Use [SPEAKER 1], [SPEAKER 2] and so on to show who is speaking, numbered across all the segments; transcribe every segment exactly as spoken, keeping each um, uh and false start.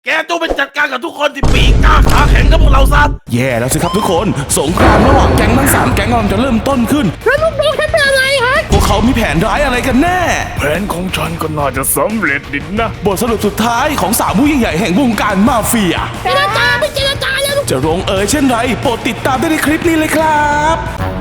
[SPEAKER 1] แกต้องไปจัดการกับทุกคนที่ปีกกล้าขาแข็งกับพวกเราซะ
[SPEAKER 2] แย่แล้วสิครับทุกคนสงครามระหว่างแก๊งทั้งสามแก๊งกำลังจะเริ่มต้นขึ้น
[SPEAKER 3] แล้วลูกน้องฉันเป็นอะไรฮะ
[SPEAKER 2] พวกเขามีแผนร้ายอะไรกันแน่
[SPEAKER 4] แผนของฉันก็น่าจะสำเร็จดินะ
[SPEAKER 2] บทสรุปสุดท้ายของสามผู้ยิ่งใหญ่แห่งวงการมาเฟีย
[SPEAKER 3] เจรจาไม่เจรจาแล้ว
[SPEAKER 2] จะลงเอยเช่นไรโปรดติดตามได้ในคลิปนี้เลยครับ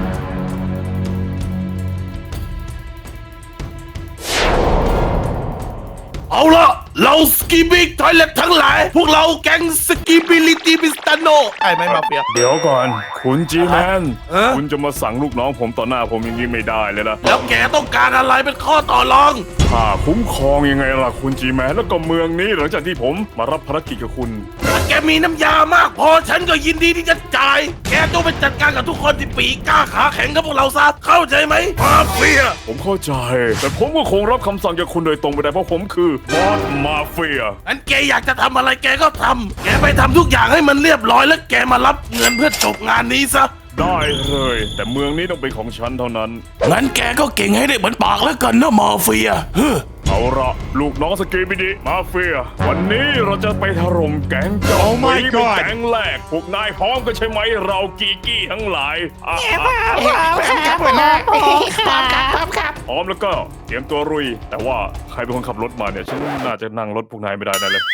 [SPEAKER 1] เอาละเราสกีบิกทอยเล็ตทั้งหลายพวกเราแก๊งสกีบิลิตี้บิสตาโนไอ้ไม่มาเฟีย
[SPEAKER 4] เดี๋ยวก่อนคุณจีแมน
[SPEAKER 1] เอ๊ะ
[SPEAKER 4] คุณจะมาสั่งลูกน้องผมต่อหน้าผมอย่างนี้ไม่ได้เลยนะ
[SPEAKER 1] แล้วแกต้องการอะไรเป็นข้อต่อรอง
[SPEAKER 4] ค่าคุ้มครองยังไงล่ะคุณจีแมนแล้วก็เมืองนี้หลังจากที่ผมมารับภารกิจกับคุณ
[SPEAKER 1] ถ้าแกมีน้ำยามากพอฉันก็ยินดีที่จะจ่ายแกต้องไปจัดการกับทุกคนที่ปีกกล้าขาแข็งกับพวกเราซะเข้าใจไหมมาเฟีย
[SPEAKER 4] ผมเข้าใจแต่ผมก็คงรับคำสั่งจากคุณโดยตรงไม่ได้เพราะผมคือบอสมาเฟีย
[SPEAKER 1] งั้นแกอยากจะทำอะไรแกก็ทำแกไปทำทุกอย่างให้มันเรียบร้อยแล้วแกมารับเงินเพื่อจบงานนี้ซะ
[SPEAKER 4] ได้เลยแต่เมืองนี้ต้องเป็นของฉันเท่านั้น
[SPEAKER 2] งั้นแกก็เก่งให้ได้เหมือนปากแล้วกันนะมาเฟียเฮ้อ
[SPEAKER 4] เอาละลูกน้องสกีบิดีมาเฟียวันนี้เราจะไปถล่มแก๊งจอมไม่เป็นแก๊งแรกพวกนายพร้อมกันใช่ไหมเรากีกี้ทั้งหลาย
[SPEAKER 3] พร้อมครับพร้อมครับครับ
[SPEAKER 4] พร้อมแล้วก็เตรียมตัวรุยแต่ว่าใครเป็นคนขับรถมาเนี่ยฉันน่าจะนั่งรถพวกนายไม่ได้แน่เลย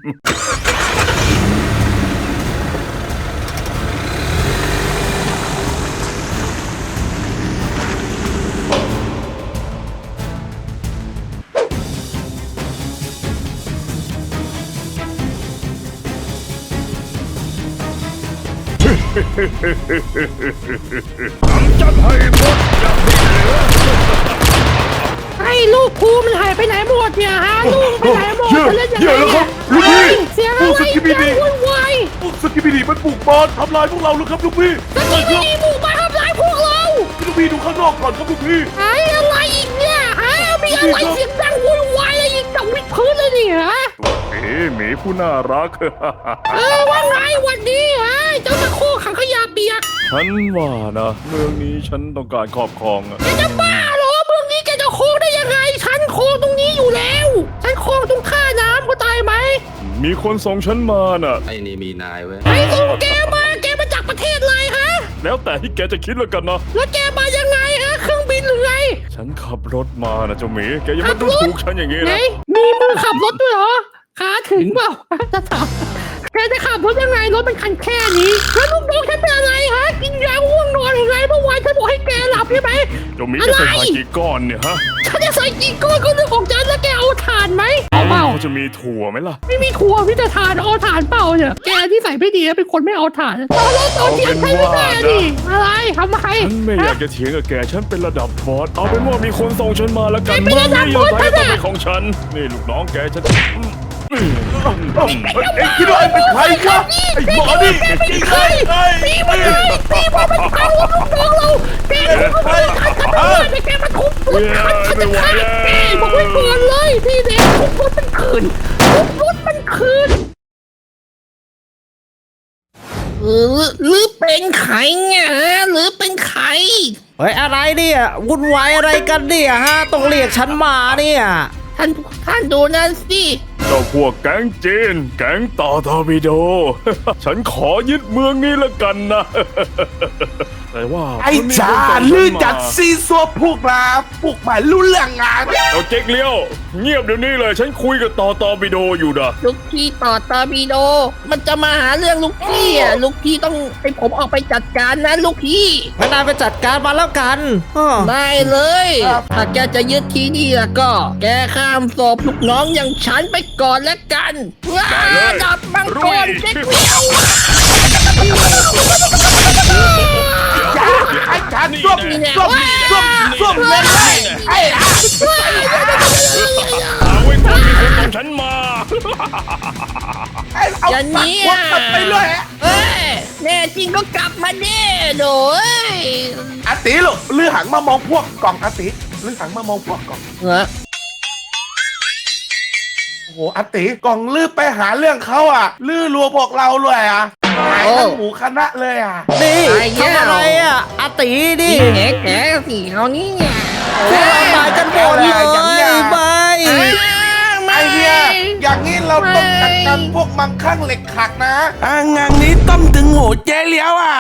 [SPEAKER 4] ทำจัดให้หมดอย่างนี้เลย
[SPEAKER 3] ไอ้ลูกครูมันหายไปไหนหมดเนี่ยฮะลูกไปไหนหมดจะเล่นยังไงเนี่ย
[SPEAKER 1] ลูกพี่
[SPEAKER 3] เสียงอะไรเนี่ยวุ่นวาย
[SPEAKER 1] พวกสกีบิดีมันบุกบอลทำลายพวกเราหรือครับลูกพี่
[SPEAKER 3] สกีบิดีบุกมาทำลายพวกเรา
[SPEAKER 1] ลูกพี่ดูข้างนอกก่อนครับลูกพี่
[SPEAKER 3] ไอ้อะไรอีกเนี่ยฮะมีอะไรเสียงดังวุ่นวายอะไรอีกดังวิดพื้นเลยนี่ฮะ
[SPEAKER 4] เอ๋หมีผู้น่ารัก
[SPEAKER 3] เออว่าไงวันนี้ฮะเจ้าตะโคขังขยะเปียก
[SPEAKER 4] ฉันว่านะเมืองนี้ฉันต้องการครอบครองอะ
[SPEAKER 3] แกจะบ้าเหรอเมืองนี้แกจะโค้งได้ยังไงฉันโค้งตรงนี้อยู่แล้วฉันโค้งตรงท่าน้ำก็ตายไหม
[SPEAKER 4] มีคนส่งฉันมาน่ะ
[SPEAKER 5] ไอ้นี่มีนายเว้ย
[SPEAKER 3] ไอ้ส่งแกมาแกมาจากประเทศอะไรฮะ
[SPEAKER 4] แล้วแต่ที่แกจะคิดแล้วกันนะ
[SPEAKER 3] แล้วแกมายังไงฮะเครื่องบินหรือไง
[SPEAKER 4] ฉันขับรถมานะเจ้าหมีแกยังไม่ดูถูกฉันอย่างงี้นะ
[SPEAKER 3] มีมือขับรถด้วยเหรอขาถึงเปล่าจะถามแกจะขับรถยังไงรถเป็นคันแค่นี้แล้วลูกน้องฉันเป็นอะไรฮะกินยาง่วงนอนยังไงเมื่อวานฉันบอกให้แกหลับใช่ไหม
[SPEAKER 4] เจ้าหมีจะใส่ถ่านกี่ก้อนเนี่ยฮะ
[SPEAKER 3] ฉันจะใส่กี่ก้อนก็เรื่องของฉันแล้วแกเอาถ่านไหมเอาเปล่า
[SPEAKER 4] จะมีถั่วไหมล่ะ
[SPEAKER 3] ไม่มีถั่วพี่จะถ่านเอาถ่านเปล่าเนี่ยแกที่ใส่ไม่ดีเป็นคนไม่เอาถ่านตอนแรกตอนเที่ยงใช่ไหมดิอะไรทำไม
[SPEAKER 4] ฉันไม่อยากจะเถียงกับแกฉันเป็นระดับบอสเอาเป็นว่ามีคนส่งฉันมาแล้วกัน
[SPEAKER 3] เมื่อนี้
[SPEAKER 4] ยังไงก็ต้องเป็นของฉันนี่ลูกน้องแกฉัน
[SPEAKER 1] เอ็งคิดว่าไอ้เป็นใครครับไอ้หมอนี่
[SPEAKER 3] เป็นใครตีมันเลยตีมันมันพังลูกน้องเราแกเป็นใครขัดขัดขัดแกมันทุบรถขัดขัดขัดแกบอกไว้ก่อนเลยพี่เด็กทุบรถมันคืนทุบรถมันคืนหรือหรือเป็นใครเนี่ยหรือเป็นใคร
[SPEAKER 6] เฮ้ยอะไรเนี่ยวุ่นวายอะไรกันเนี่ยฮะต้องเรียกฉันมาเนี่ย
[SPEAKER 3] ท่านท่านดูนั่นสิ
[SPEAKER 4] เจ้าพวกแก๊งจีนแก๊งต่อทอร์ปิโดฉันขอยึดเมืองนี้ละกันนะแต่ว่า
[SPEAKER 1] ไอ้จาลือจัดซีซัวพวกมาพวกมารู้เรื่องงาน
[SPEAKER 4] เอาเจ๊กเลี้ยวเงียบเดี๋ยวนี้เลยฉันคุยกับต่อตอร์ปิโดอยู่นะ
[SPEAKER 3] ลูกพี่ต่อตอร์ปิโดมันจะมาหาเรื่องลูกพี่อ่ะลูกพี่ต้องให้ผมออกไปจัดการนะลูกพี่
[SPEAKER 6] งั้นนายไปจัดการมาแล้วกัน
[SPEAKER 3] ได้เลยถ้าแกจะยึดที่นี่แล้วก็แกข้ามศพลูกน้องอย่างฉันไปก่อนแล้วกันว้าดับมังกรเจ๊กเลี้ยว
[SPEAKER 1] ไอ้จานส้มส้มส้มส้มเลยไอ้อะ
[SPEAKER 4] เอาไว้ก่อนมีคนส่งฉันมา
[SPEAKER 3] อย่างนี้อ่ะ
[SPEAKER 1] ไปเลย
[SPEAKER 3] เอ้ยแน่จริงก็กลับมาเด้โดย
[SPEAKER 1] อาติลูกลือหังมามองพวกกล่องอาติลือหังมามองพวกกล่อง
[SPEAKER 3] เหรอ
[SPEAKER 1] โอ้โหอาติกล่องลือไปหาเรื่องเขาอ่ะลือรัวพวกเราเลยอ่ะหายทั้งหมูคณะเลยอ่ะ
[SPEAKER 6] นี่ทำอะไรอ่ะอาตีดิ
[SPEAKER 3] แกแกสีเขานี่
[SPEAKER 6] พวกเราตายกันหมดเลยไป
[SPEAKER 3] ม
[SPEAKER 1] ไอเฮียอย่างนี้เราต้องจัดการพวกมังคั่งเหล็กขัดนะ
[SPEAKER 2] อ่างานนี้ต้มถึงโหเจ๊เลี้ยวอ่ะ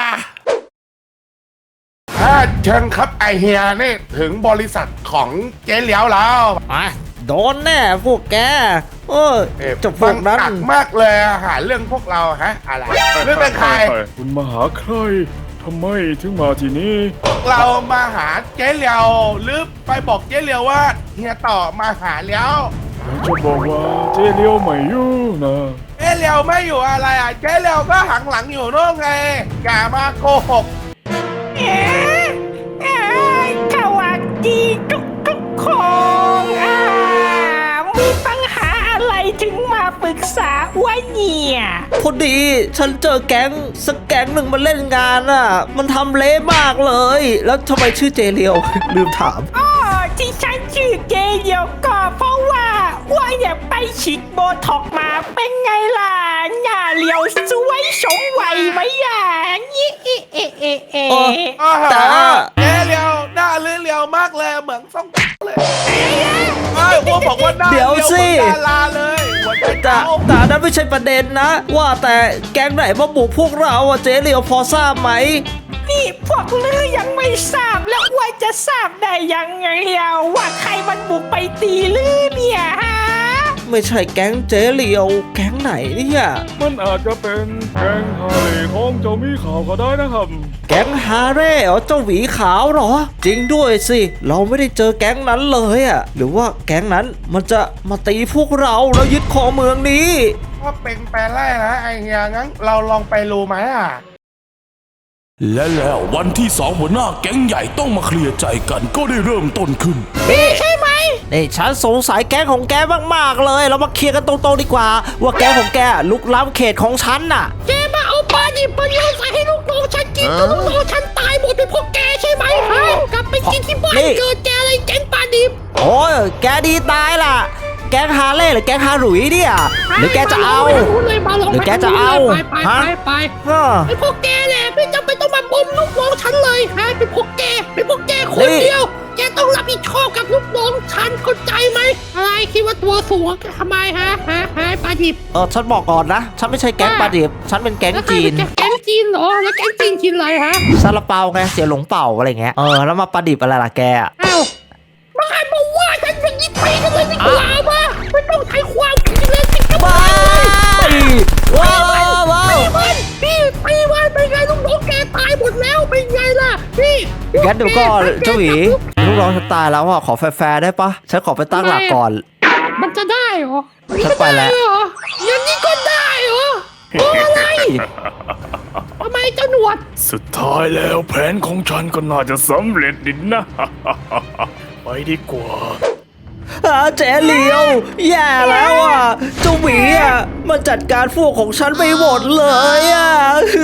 [SPEAKER 1] ถ้าเชิญครับไอเฮียนี่ถึงบริษัทของเจ๊เหลียวแล้ว
[SPEAKER 6] อ่ะโดนแน่พวกแกเออ
[SPEAKER 1] เอ๊ะ
[SPEAKER 6] เจะพวกนั้น
[SPEAKER 1] หนักมากเลยอะหาเรื่องพวกเราฮะอะไรเรื่องเป็นใคร
[SPEAKER 4] คุณมาหาใครทำไมถึงมาที่นี่
[SPEAKER 1] เรามาหาเจ๊เหลียวหรือไปบอกเจ๊เหลียวว่าเฮียต่อมาหาแล้ว
[SPEAKER 4] จะบอกว่าเจเลียวไม่อยู่นะ
[SPEAKER 1] เจ๊เหลียวไม่อยู่อะไรอ่ะเจ๊เหลียวก็หังหลังอยู่โน่นไงอย่ามาโกหก
[SPEAKER 3] เอ๊ะเอ๊ะสวัสดีทุกทุกๆคนอ่ามีปัญหาอะไรถึงมาปรึกษาวะเนี่ย
[SPEAKER 6] พอดีฉันเจอแก๊งสักแก๊งหนึ่งมาเล่นงานอ่ะ มันทำเละมากเลย แล้วทำไมชื่อเจเลียว ลืมถาม
[SPEAKER 3] อ๋อที่ฉันชื่อเจเดียวก็เพราะว่าว่าอยากไปฉีดโบท็อกมาเป็นไงล่ะหน้าเรียวสวยสมวัยไหมอ่ะยี่เอะเอะเอะเอะ
[SPEAKER 6] โอ้
[SPEAKER 1] อาหา
[SPEAKER 6] แต่
[SPEAKER 1] เจ๊เหลียวหน้าเลี้ยวเลียวมากเลยเหมือนซ่องเลยไอ้พวกบอกว่าหน้า
[SPEAKER 6] เดี๋ยวสิ
[SPEAKER 1] เหมือนดาราเลยหัวใจ
[SPEAKER 6] แต่
[SPEAKER 1] เต้า
[SPEAKER 6] แต่นั้นไม่ใช่ประเด็นนะ ว่าแต่แก๊งไหนมาบุกพวกเราอ่ะเจเลียวพอทราบไหม
[SPEAKER 3] นี่พวกลือยังไม่ทราบแล้วว่าจะทราบได้ยังไงอ่ะว่าใครมันบุกไปตีลือเนี่ยฮะ
[SPEAKER 6] ไม่ใช่แก๊งเจเลียว แก๊งไหนเนี่ย
[SPEAKER 4] มันอาจจะเป็นแกงไห่ของเจ้ามีข่าวก็ได้นะครับ
[SPEAKER 6] แก๊งฮาเร่เหรอเจ้าหวีขาวเหรอ จริงด้วยสิ เราไม่ได้เจอแก๊งนั้นเลยอ่ะ หรือว่าแก๊งนั้นมันจะมาตีพวกเราแล้วยึดครองเมืองนี้
[SPEAKER 1] ว่าเป็นแปลไล่นะไอเฮียงั้นเราลองไปรู้ไหมอ่ะ
[SPEAKER 2] และแล้ววันที่สองหัวหน้าแก๊งใหญ่ต้องมาเคลียร์ใจกันก็ได้เริ่มต้นขึ้น
[SPEAKER 3] นี่ใช่ไหม
[SPEAKER 6] นี่ฉันสงสัยแก๊งของแกมากๆเลย เรามาเคลียร์กันตรงๆดีกว่า ว่าแก๊งของแกลุกล้ำเขตของฉันน่ะ
[SPEAKER 3] แกมาเอาปลาดิบมาโยนใส่ให้ลูกน้องฉันกินจนลูกน้องฉันตายหมดเป็นพวกแกใช่ไหมฮะกลับไปกินที่บ้าน
[SPEAKER 6] นี่
[SPEAKER 3] เกิดแกอะไรแกงปลาดิบ
[SPEAKER 6] โอ้ยแกดีตายล่ะ แก๊งฮาเล่หรือแก๊งฮาหลุยเนี่ย หรือแกจะเอา
[SPEAKER 3] ไม่รู้เลยมาลอง
[SPEAKER 6] หรือแกจะเอา
[SPEAKER 3] ไปไป
[SPEAKER 6] ฮะ
[SPEAKER 3] ไปไป
[SPEAKER 6] ฮะ
[SPEAKER 3] ไอ้พวกแกแหละไม่จำเป็นต้องมาบ่มลูกน้องฉันเลยฮะเป็นพวกแกเป็นพวกแกคน
[SPEAKER 6] นี่
[SPEAKER 3] เดียว แกต้องรับผิดชอบกับลูกน้องฉันเข้าใจไหมอะไรคิดว่าตัวสูงทำไมฮะฮะฮะปลาดิบ
[SPEAKER 6] เออฉันบอกก่อนนะ ฉันไม่ใช่แก๊งปลาดิบ ฉันเป็นแก๊ง
[SPEAKER 3] แล้วใคร
[SPEAKER 6] จี
[SPEAKER 3] เป็น นแก๊งจีนเหรอแล้วแก๊งจีนกินอะไรฮะ
[SPEAKER 6] ซาลาเปาไงเสียหลงเป่าอะไรเงี้ย เออแล้วมาปลาดิบอะไรล่ะแกอะ
[SPEAKER 3] อ้าวมาใครมาว่าฉันอย่างนี้ไปกันเลยดีกว่ามาไม่ต้องใช้ความคิดเลยสิครับ
[SPEAKER 6] บายว้าวว้าวว้าว
[SPEAKER 3] ตีมันพี่ตีมันเป็นไงลูกน้องแกตายหมดแล้วเป็นไงล่ะพี่
[SPEAKER 6] งั้นเดี๋ยวก็เจ้าหวีลูกน้องฉันตายแล้วอ่ะขอแฟร์ๆได้ปะฉันขอไปตั้งหลักก่อน
[SPEAKER 3] มันจะได้เหรอ
[SPEAKER 6] ฉันไปแล้ว
[SPEAKER 3] ม่ด้เหรออย่างนี้ก็ได้เหรอเพราะอะไรทำไมเจ้าหนวด
[SPEAKER 4] สุดท้ายแล้วแผนของฉันก็น่าจะสำเร็จดินนะ ไปดีกว่า
[SPEAKER 6] อาเจเหลียวแย่แล้วอ่ะเจ้าหวีอ่ะมันจัดการพวกของฉันไปหมดเลยอ่ะ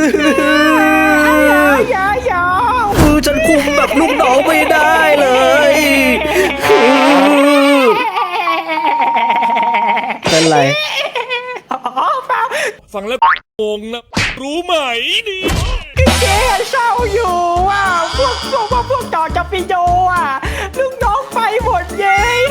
[SPEAKER 3] อย่าอย่า
[SPEAKER 6] คือฉันคุมแบบลูกน้องไม่ได้เลยเป็นไร
[SPEAKER 3] อ๋อเปล่า
[SPEAKER 2] ฟังแล้วงงนะ รู้ไหมนี่
[SPEAKER 3] เจ๊เศร้าอยู่ว่าพวกพวกพวกพวกจอจะปีโดอ่ะลูกน้องไปหมดเย้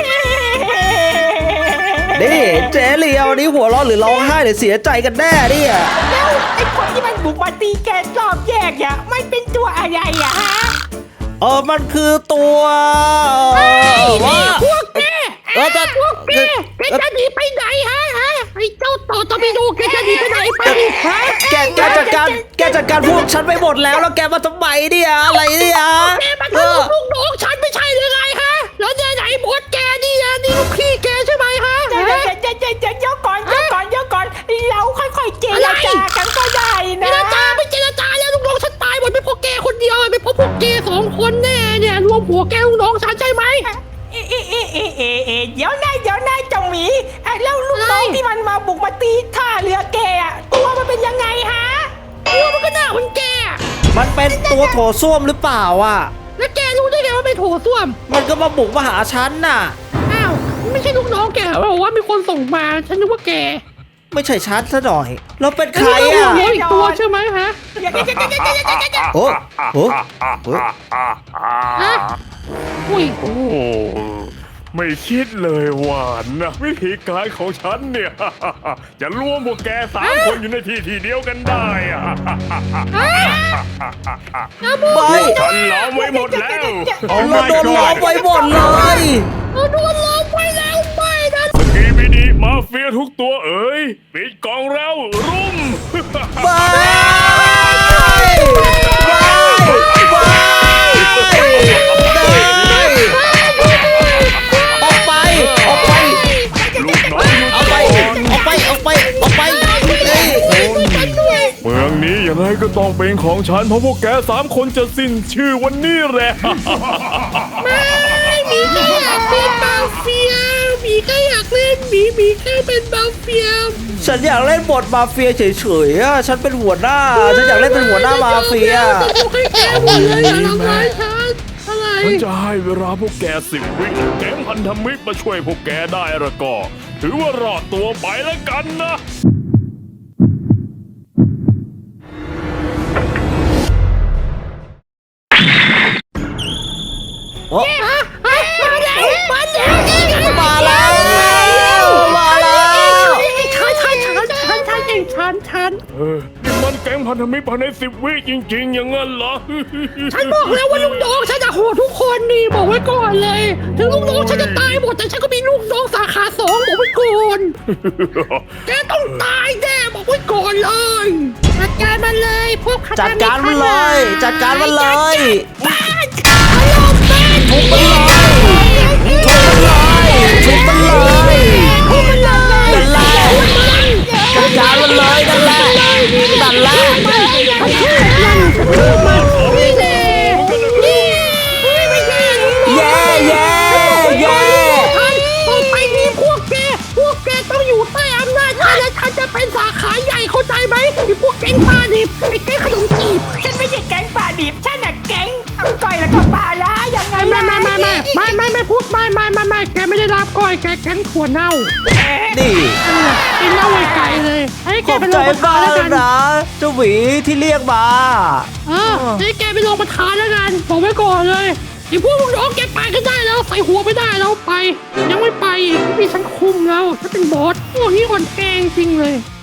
[SPEAKER 6] นี่เจเหลียวนี่หัวเราะหรือร้องไห้หรือเสียใจกันแน่เนี่ย
[SPEAKER 3] แล้วไอ้คนที่มันบุกมาตีแกรอบแยกอ่ะมันเป็นตัวอะไรอ่ะฮะ
[SPEAKER 6] เออมันคือตัวเอ่อว่า
[SPEAKER 3] พวกแก
[SPEAKER 6] เออแต่
[SPEAKER 3] พวกแกแกจะหนีไปไหนฮะฮะไอ้เจ้าต่อตอร์ปิโดแกจะหนีไปไหนไปดิฮะ
[SPEAKER 6] แกแกจัดการแกจัดการพวกฉันไปหมดแล้วแล้วแกมาทำไมเนี่ยอะไรเนี่ย
[SPEAKER 3] แกมา
[SPEAKER 6] เอ
[SPEAKER 3] ทำ
[SPEAKER 6] อ
[SPEAKER 3] ลูกน้องฉันไม่ใช่หรือไงฮะแล้วเนี่ยไหนบดแกนี่อ่ะนี่ลูกพี่แกใช่ไหมฮะเดี๋ยวเดี๋ยวเดี๋ยวเดี๋ยวเดี๋ยวก่อนเดี๋ยวก่อนเดี๋ยวก่อนเราค่อยๆเจรจากันก็ได้นะเจรจาไม่เจรจาแล้วลูกน้องฉันตายหมดไม่เพราะแกคนเดียวไม่เพราะพวกแกสองคนแน่เนี่ยรวมหัวแกลูกน้องฉันใช่ไหมเอ๊ะเอ๊ะเอ๊ะเอ๊ะเอ๊ะเดี๋ยวนะเดี๋ยวนะเจ้าหมีไอ้แล้วลูกน้องที่มันมาบุกมาตีท่าเรือแกอะตัวมันเป็นยังไงฮะตัวมันก็หน้าเหมือนแก
[SPEAKER 6] มันเป็นตัวโถส้วมหรือเปล่าอ่ะ
[SPEAKER 3] แล้วแกรู้ได้ไงว่าเป็นโถส้วม
[SPEAKER 6] มันก็มาบุกมาหาฉันน่ะ
[SPEAKER 3] อ้าวไม่ใช่ลูกน้องแกเหรอบอกว่ามีคนส่งมาฉันนึกว่าแก
[SPEAKER 6] ไม่ใช่ฉันซะหน่อยแล้วเป็นใคร
[SPEAKER 3] แล้ว
[SPEAKER 6] อ่ะ
[SPEAKER 3] มีอีกตัวใช่ไหมฮะ
[SPEAKER 6] โอ้โหโอ้
[SPEAKER 3] ฮะอุ้ย
[SPEAKER 4] โอ้ไม่คิดเลยว่านะวิธีการของฉันเนี่ย จะรวมพวกแกสามคนอยู่ในที่ที่เดียวกันได้อะ
[SPEAKER 6] ไม่
[SPEAKER 4] ฉันล้อมไว้หมดแล้ว
[SPEAKER 6] เราโดนล้อมไว้หมดเลย
[SPEAKER 3] เราโดนล้อมไว้แล้วไม่นะ
[SPEAKER 4] สกีบิดีมาเฟียทุกตัวเอ๋ยปิดกองแล้วรุม
[SPEAKER 6] ไม่ออกไปออกไป
[SPEAKER 4] ลูกน้องอยู่
[SPEAKER 6] ออกไปออกไปออกไปออกไปเอ้ย
[SPEAKER 4] เมืองนี้ยังไงก็ต้องเป็นของฉันเพราะพวกแกสามคนจะสิ้นชื่อวันนี้แหละ
[SPEAKER 3] ไม่มีแค่อยากเป็นมาเฟียมีแค่อยากเล่นมีมีแค่เป็นมาเฟีย
[SPEAKER 6] ฉันอยากเล่นบทมาเฟียเฉยๆอะฉันเป็นหัวหน้า ฉันอยากเล่นเป็นหัวหน้ามาเฟีย
[SPEAKER 3] แต่พวกให้แกหมดเลยอย่าทำร้ายฉันอะไร
[SPEAKER 4] ฉันจะให้เวลาพวกแกสิบวิแก๊งพันธมิตรมาช่วยพวกแกได้ละก็ ถือว่ารอดตัวไปแล้วกันนะ
[SPEAKER 3] มาแล้วมาแล้ว
[SPEAKER 6] มาแล้วมาแล้ว
[SPEAKER 3] ฉันฉันฉันฉันฉันเองฉันฉัน
[SPEAKER 4] เออนี่มันแก๊งพันธมิตรภายในสิบวิจริงๆ อย่างนั้นเหรอ
[SPEAKER 3] ฉันบอกแล้วว่าลูกน้องฉันจะโหดทุกคนนี่บอกไว้ก่อนเลย ถึงลูกน้องฉันจะตายหมดแต่ฉันก็มีลูกน้องสาขาสองบอกไว้ก่อนแกต้องตายแน่บอกไว้ก่อนเลยจัดการมันเลยพวก
[SPEAKER 6] จัดการมันเลย จัดการมันเลย
[SPEAKER 3] ทุบมันเลยทุบมันเลยทุบมันเลย
[SPEAKER 6] นั่นแหละจัดการมันเลยนั่นแหละนั่นแหละ
[SPEAKER 3] นี่แน่นี่ไม่ใช่
[SPEAKER 6] เย้เย้เย้
[SPEAKER 3] ต่อไปนี้พวกแกพวกแกต้องอยู่ใต้อำนาจฉันและฉันจะเป็นสาขาใหญ่เข้าใจไหมไอ้พวกแก๊งปลาดิบไอ้แก๊งขนมจีบ
[SPEAKER 5] ฉันไม่ใช่แก๊งป่าดิบฉันน่ะแก๊งเอาก้อยแล้วก็ปลาล้ายังไง
[SPEAKER 3] ไม่ไม่ไม่ไม่ไม่ไม่ไม่พูดไม่ไม่ไม่ไม่แกไม่ได้รับก้อยแกแก๊งถั่วเน่า
[SPEAKER 6] นี่
[SPEAKER 3] ไอ้เน่าไกลเลยไอ้แก
[SPEAKER 6] ขอบ
[SPEAKER 3] เป็น
[SPEAKER 6] ใจ
[SPEAKER 3] รองประธาน
[SPEAKER 6] มาก
[SPEAKER 3] แล้วกัน
[SPEAKER 6] นะเจ้าหวีที่เรียกมา
[SPEAKER 3] เออไอ้แกเป็นรองประธานแล้วกันบอกไว้ก่อนเลยไอ้พวกลูกน้องแกไปก็ได้แล้วใส่หัวไม่ได้แล้วไป ยังไม่ไปอีกมีฉันคุมแล้วฉันเป็นบอสพวกนี้อ่อนแกงจริงเลย